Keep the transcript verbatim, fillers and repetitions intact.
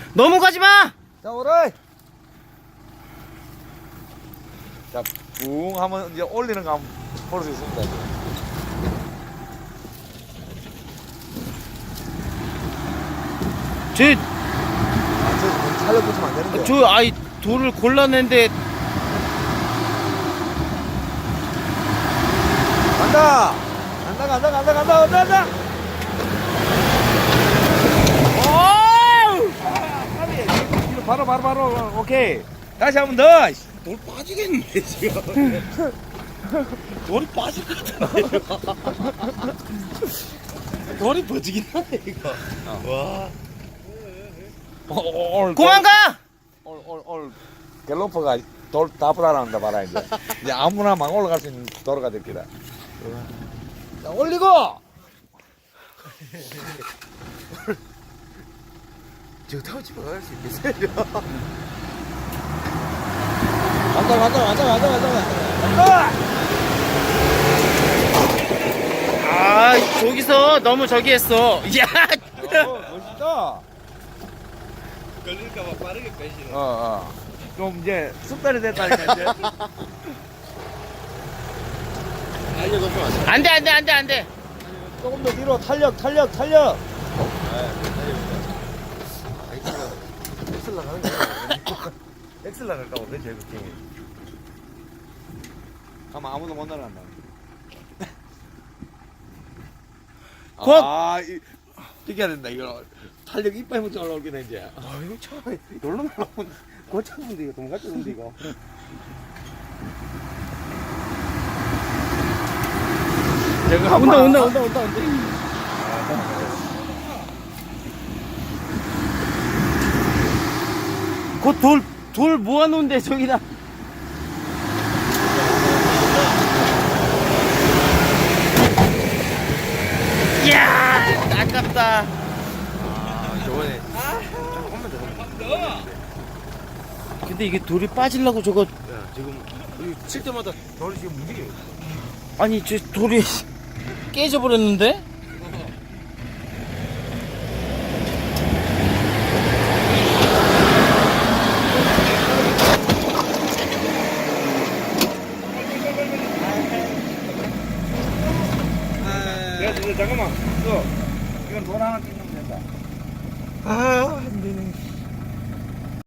넘어가지 마! 자, 오라이. 자, 붕 하면 이제 올리는 거 한번 볼 수 있습니다. 이제. 저, 아, 저 살려 붙이면 안 되는데. 저, 아이, 돌을 골라낸데, 간다! 간다, 간다, 간다, 간다, 간다, 간다! 어우! 이거 바로, 바로, 바로, 오케이. 다시 한 번 더! 돌 빠지겠는데 지금. 돌이 빠질 것 같은데. 돌이 버지긴 하네 이거. 와. 올, 그만 가! 올, 올, 올. 갤로퍼가 돌 다 불안한다, 봐라, 이제. 이제 아무나 막 올라갈 수 있는 도로가 될 기다. 자, 올리고! 저 타고 집에 갈 수 있겠어요? 간다, 간다, 간다, 간다, 간다, 간다! 아, 저기서 너무 저기 했어. 야! 어, 멋있다. 걸릴까봐 빠르게 빼시네. 어, 어. 좀 이제 습관이 됐다니까, 이제. 알려놓고 왔어. 안 돼, 안 돼, 안 돼, 안 돼. 조금 더 뒤로 탄력, 탄력, 탄력. 엑셀 나가는 거야. 엑셀 나갈까 보네 제일 걱정이. 가만 아무도 못 날아간다. 곧! 아, 이, 이겨야 된다, 이거. 탄력 이빨 못 올라오긴 해, 이제. 아 이거 처음에 놀러 나가면 고쳤는데 이거 도망갔는데 이거. 제가 온다, 온다, 온다, 온다, 온다. 곧 돌, 돌 모아놓은데, 저기다. 이야, 아깝다. 아 저번에 조금만 더 하면 근데 이게 돌이 빠지려고 저거, 야 지금 여기 칠 때마다 돌이 지금 움직여. 아니, 저 돌이 깨져버렸는데? 야, 잠깐만. 이거, 이건 돈 하나 띄고